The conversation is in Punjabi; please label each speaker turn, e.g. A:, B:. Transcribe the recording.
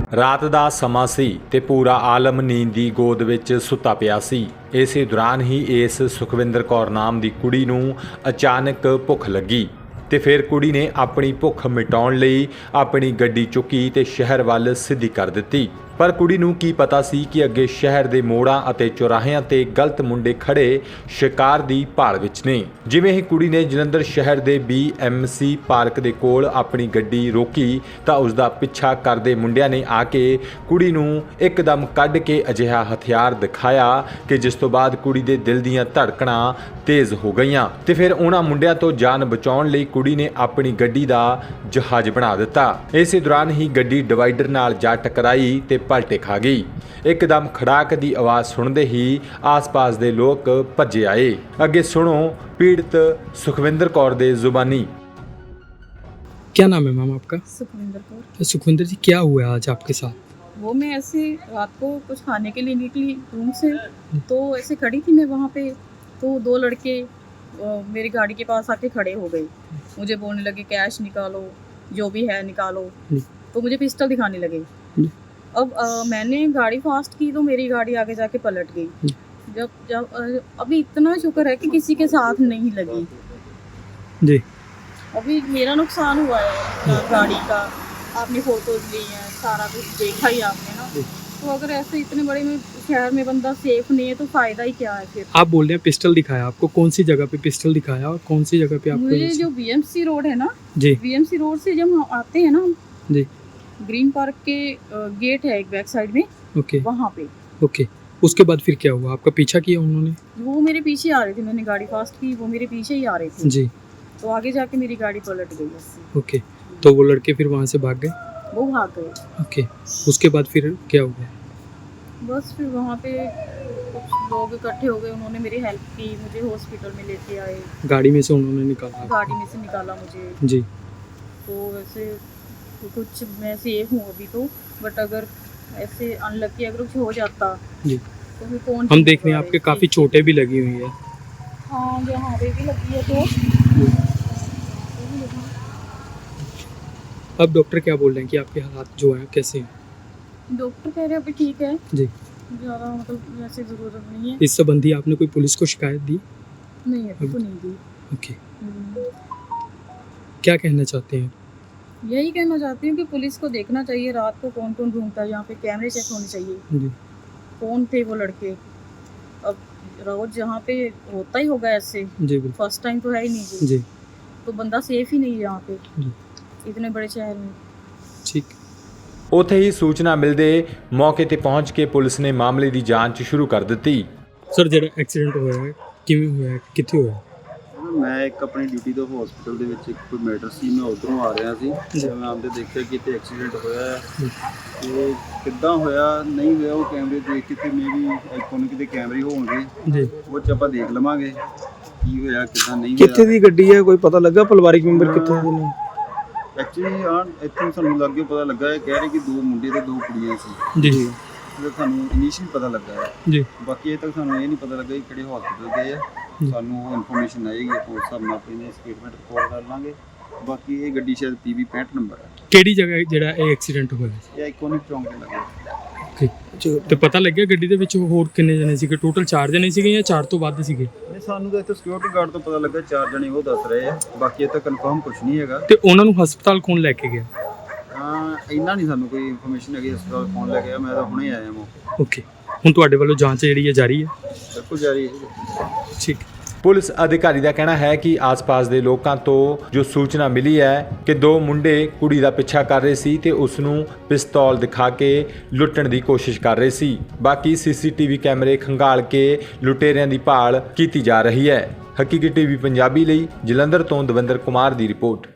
A: ਰਾਤ ਦਾ ਸਮਾਂ ਸੀ ਤੇ ਪੂਰਾ ਆਲਮ ਨੀਂਦ ਦੀ ਗੋਦ ਵਿੱਚ ਸੁੱਤਾ ਪਿਆ ਸੀ। ਇਸੇ ਦੌਰਾਨ ਹੀ ਇਸ ਸੁਖਵਿੰਦਰ ਕੌਰ ਨਾਮ ਦੀ ਕੁੜੀ ਨੂੰ ਅਚਾਨਕ ਭੁੱਖ ਲੱਗੀ ਤੇ ਫਿਰ ਕੁੜੀ ਨੇ ਆਪਣੀ ਭੁੱਖ ਮਿਟਾਉਣ ਲਈ ਆਪਣੀ ਗੱਡੀ ਚੁੱਕੀ ਤੇ ਸ਼ਹਿਰ ਵੱਲ ਸਿੱਧੀ ਕਰ ਦਿੱਤੀ। ਪਰ ਕੁੜੀ ਨੂੰ ਕੀ ਪਤਾ ਸੀ ਕਿ ਅੱਗੇ ਸ਼ਹਿਰ ਦੇ ਮੋੜਾਂ ਅਤੇ ਚੌਰਾਹਿਆਂ ਤੇ ਗਲਤ ਮੁੰਡੇ ਖੜੇ ਸ਼ਿਕਾਰ ਦੀ ਭਾਲ ਵਿੱਚ ਨੇ। ਜਿਵੇਂ ਹੀ ਕੁੜੀ ਨੇ ਜਲੰਧਰ ਸ਼ਹਿਰ ਦੇ BMC ਪਾਰਕ ਦੇ ਕੋਲ ਆਪਣੀ ਗੱਡੀ ਰੋਕੀ ਤਾਂ ਉਸ ਦਾ ਪਿੱਛਾ ਕਰਦੇ ਮੁੰਡਿਆਂ ਨੇ ਆ ਕੇ ਕੁੜੀ ਨੂੰ ਇੱਕਦਮ ਕੱਢ ਕੇ ਅਜਿਹਾ ਹਥਿਆਰ ਦਿਖਾਇਆ ਕਿ ਜਿਸ ਤੋਂ ਬਾਅਦ ਕੁੜੀ ਦੇ ਦਿਲ ਦੀਆਂ ਧੜਕਣਾਂ ਤੇਜ਼ ਹੋ ਗਈਆਂ ਤੇ ਫਿਰ ਉਹਨਾਂ ਮੁੰਡਿਆਂ ਤੋਂ ਜਾਨ ਬਚਾਉਣ ਲਈ ਕੁੜੀ ਨੇ ਆਪਣੀ ਗੱਡੀ ਦਾ ਜਹਾਜ਼ ਬਣਾ ਦਿੱਤਾ। ਇਸੇ ਦੌਰਾਨ ਹੀ ਗੱਡੀ ਡਿਵਾਈਡਰ ਨਾਲ ਜਾ ਟਕਰਾਈ ਤੇ ਪਲਟੇ ਖਾ ਗਈ। ਇੱਕਦਮ ਖੜਾਕ ਦੀ ਆਵਾਜ਼ ਸੁਣਦੇ ਹੀ ਆਸ-ਪਾਸ ਦੇ ਲੋਕ ਭੱਜੇ ਆਏ। ਅੱਗੇ सुनो पीड़ित सुखविंदर कौर दे जुबानी।
B: क्या नाम है मैम आपका?
C: सुखविंदर कौर।
B: सुखविंदर जी, क्या हुआ आज आपके साथ?
C: वो मैं ऐसे रात को कुछ खाने के लिए निकली रूम से, तो ऐसे खड़ी थी मैं वहाँ पे, तो दो लड़के मेरी गाड़ी के पास आके खड़े हो गए। मुझे बोलने लगे कैश निकालो, जो भी है निकालो, तो मुझे पिस्टल दिखाने लगे। अब मैंने गाड़ी फास्ट की तो मेरी गाड़ी आगे जाके पलट गई। जब अभी इतना शुक्र है कि किसी के साथ नहीं लगी
B: जी।
C: अभी मेरा नुकसान हुआ है गाड़ी का, आपने फोटोज ली हैं, सारा कुछ देखा ही आपने ना। तो अगर ऐसे इतने बड़े में शहर में बंदा सेफ नहीं है तो फायदा ही क्या है फिर।
B: आप बोल रहे हैं पिस्टल दिखाया आपको, कौन सी जगह पे पिस्टल दिखाया और कौन सी जगह पे आपको?
C: मुझे जो BMC रोड है ना
B: जी,
C: BMC रोड से जब हम आते हैं ना
B: जी,
C: ग्रीन पार्क के गेट है एक बैक साइड में,
B: ओके
C: वहाँ पे।
B: ओके, उसके बाद फिर क्या हुआ? आपका पीछा किया उन्होंने?
C: वो मेरे पीछे आ रहे थे, मैंने गाड़ी फास्ट की, वो मेरे पीछे ही आ रहे थे
B: जी।
C: तो आगे जाके मेरी गाड़ी पलट गई उससे।
B: ओके, तो वो लड़के फिर वहाँ से भाग गए?
C: वो भाग गए।
B: ओके, उसके बाद फिर क्या हुआ?
C: बस फिर वहाँ पे कुछ लोग इकट्ठे हो गए, उन्होंने मेरी हेल्प की, मुझे हॉस्पिटल में लेके आए,
B: गाड़ी में से उन्होंने निकाला?
C: गाड़ी में से निकाला मुझे।
B: जी।
C: तो वैसे कुछ मैं सेफ हूँ अभी तो, बट अगर ऐसे अनलकी अगर कुछ हो जाता
B: जी
C: तो फिर कौन।
B: हम देख रहे हैं आपके काफ़ी चोटें भी लगी हुई है।
C: हाँ, यहाँ पे भी लगी है तो।
B: अब डॉक्टर क्या बोल रहे हैं कि आपके हालात जो हैं कैसे हैं?
C: डॉक्टर कह रहे हैं अभी ठीक है,
B: जी।
C: ज़्यादा मतलब वैसे ज़रूरत नहीं है।
B: इस संबंधी आपने कोई पुलिस को शिकायत दी?
C: नहीं अभी तो नहीं दी।
B: ओके, क्या कहना चाहते हैं?
C: यही कहना चाहती हूँ कि पुलिस को देखना चाहिए रात को कौन कौन घूमता है, यहाँ पे कैमरे चेक होने चाहिए
B: जी।
C: कौन थे वो लड़के। अब रोज यहाँ पे होता ही होगा ऐसे,
B: जी बिल्कुल,
C: फर्स्ट टाइम तो है ही नहीं जी।
B: जी
C: तो बंदा सेफ ही नहीं है यहाँ पे
B: जी।
C: इतने बड़े शहर में।
B: ठीक।
A: ਉੱਥੇ ਹੀ ਸੂਚਨਾ ਮਿਲਦੇ ਮੌਕੇ ਤੇ ਪਹੁੰਚ ਕੇ ਪੁਲਿਸ ਨੇ ਮਾਮਲੇ ਦੀ ਜਾਂਚ ਸ਼ੁਰੂ ਕਰ ਦਿੱਤੀ।
B: ਸਰ, ਜਿਹੜਾ ਐਕਸੀਡੈਂਟ ਹੋਇਆ ਹੈ ਕਿਵੇਂ ਹੋਇਆ ਹੈ, ਕਿੱਥੇ ਹੋਇਆ?
D: ਮੈਂ ਇੱਕ ਆਪਣੀ ਡਿਊਟੀ ਤੋਂ ਹਸਪੀਟਲ ਦੇ ਵਿੱਚ ਇੱਕ ਕੋਈ ਮੈਟਰ ਸੀ, ਮੈਂ ਉੱਧਰੋਂ ਆ ਰਿਹਾ ਸੀ ਤੇ ਮੈਂ ਆਉਂਦੇ ਦੇਖਿਆ ਕਿ ਇੱਥੇ ਐਕਸੀਡੈਂਟ ਹੋਇਆ ਹੈ। ਤੇ ਕਿੱਦਾਂ ਹੋਇਆ ਨਹੀਂ ਹੋਇਆ ਉਹ ਕੈਮਰੇ ਦੇਖ ਕੇ ਤੇ ਮੇਰੀ ਆਈਕੋਨ ਕਿਤੇ ਕੈਮਰੇ ਹੋਣਗੇ
B: ਜੀ,
D: ਉਹ 'ਚ ਆਪਾਂ ਦੇਖ ਲਵਾਂਗੇ ਕੀ ਹੋਇਆ ਕਿੱਦਾਂ ਨਹੀਂ
E: ਕਿੱਥੇ
D: ਹੋਇਆ।
E: ਦੀ ਗੱਡੀ ਹੈ, ਕੋਈ ਪਤਾ ਲੱਗਾ ਪਰਿਵਾਰਿਕ ਮੈਂਬਰ ਕਿੱਥੇ ਦੇ ਨੇ?
D: ਐਕਚੁਅਲੀ ਇੱਥੇ ਸਾਨੂੰ ਲੱਗੇ ਪਤਾ ਲੱਗਾ ਹੈ, ਕਹਿ ਰਹੇ ਕਿ 2 ਮੁੰਡੇ ਤੇ 2 ਕੁੜੀਆਂ ਸੀ।
B: ਜੀ
D: ਤੇ ਸਾਨੂੰ ਇਨੀਸ਼ੀਅਲ ਪਤਾ ਲੱਗਾ ਹੈ,
B: ਜੀ।
D: ਬਾਕੀ ਇਹ ਤੱਕ ਸਾਨੂੰ ਇਹ ਨਹੀਂ ਪਤਾ ਲੱਗਾ ਕਿ ਕਿਹੜੇ ਹਸਪੀਟਲ ਗਏ ਆ। ਸਾਨੂੰ ਇਨਫੋਰਮੇਸ਼ਨ ਆਏਗੀ ਆਪਾਂ ਉਸ ਹਿਸਾਬ ਨਾਲ ਆਪਣੀ ਸਟੇਟਮੈਂਟ ਰਿਕਾਰਡ ਕਰ ਲਾਂਗੇ। ਬਾਕੀ ਇਹ ਗੱਡੀ ਸ਼ਾਇਦ PB 65 ਨੰਬਰ ਹੈ।
B: ਕਿਹੜੀ ਜਗ੍ਹਾ ਜਿਹੜਾ ਇਹ ਐਕਸੀਡੈਂਟ ਹੋਇਆ?
D: ਇਹ ਆਈਕੋਨਿਕ ਚੌਂਕ ਦੇ ਲੱਗੇ।
B: ਤੇ ਪਤਾ ਲੱਗਿਆ ਗੱਡੀ ਦੇ ਵਿੱਚ ਹੋਰ ਕਿੰਨੇ ਜਣੇ ਸੀਗੇ? ਟੋਟਲ 4 ਜਣੇ ਸੀਗੇ ਜਾਂ 4 ਤੋਂ ਵੱਧ ਸੀਗੇ?
D: ਨਹੀਂ, ਸਾਨੂੰ ਤਾਂ ਇੱਥੇ ਸਿਕਿਉਰਿਟੀ ਗਾਰਡ ਤੋਂ ਪਤਾ ਲੱਗਾ 4 ਜਣੇ ਉਹ ਦੱਸ ਰਹੇ ਆ, ਬਾਕੀ ਇਹ ਤਾਂ ਕਨਫਰਮ ਕੁਝ ਨਹੀਂ ਹੈਗਾ।
B: ਤੇ ਉਹਨਾਂ ਨੂੰ ਹਸਪਤਾਲ ਕੌਣ ਲੈ ਕੇ ਗਿਆ?
D: ਇੰਨਾ ਨਹੀਂ ਸਾਨੂੰ ਕੋਈ ਇਨਫੋਰਮੇਸ਼ਨ ਹੈਗੀ ਹਸਪਤਾਲ ਕੌਣ ਲੈ ਗਿਆ, ਮੈਂ ਤਾਂ ਹੁਣੇ ਆਇਆ ਹਾਂ।
B: ਓਕੇ, ਹੁਣ ਤੁਹਾਡੇ ਵੱਲੋਂ ਜਾਂਚ ਜਿਹੜੀ ਹੈ ਜਾਰੀ ਹੈ?
D: ਬਿਲਕੁਲ ਜਾਰੀ ਹੈ।
B: ਠੀਕ।
A: ਪੁਲਿਸ ਅਧਿਕਾਰੀ ਦਾ ਕਹਿਣਾ ਹੈ ਕਿ ਆਸ-ਪਾਸ ਦੇ ਲੋਕਾਂ ਤੋਂ ਜੋ ਸੂਚਨਾ ਮਿਲੀ ਹੈ ਕਿ 2 ਮੁੰਡੇ ਕੁੜੀ ਦਾ ਪਿੱਛਾ ਕਰ ਰਹੇ ਸੀ ਤੇ ਉਸ ਨੂੰ ਪਿਸਤੌਲ ਦਿਖਾ ਕੇ ਲੁੱਟਣ ਦੀ ਕੋਸ਼ਿਸ਼ ਕਰ ਰਹੇ ਸੀ। ਬਾਕੀ CCTV ਕੈਮਰੇ ਖੰਗਾਲ ਕੇ ਲੁਟੇਰਿਆਂ ਦੀ ਭਾਲ ਕੀਤੀ ਜਾ ਰਹੀ ਹੈ। ਹਕੀਕੀ TV ਪੰਜਾਬੀ ਲਈ ਜਲੰਧਰ ਤੋਂ ਦਵਿੰਦਰ ਕੁਮਾਰ ਦੀ ਰਿਪੋਰਟ।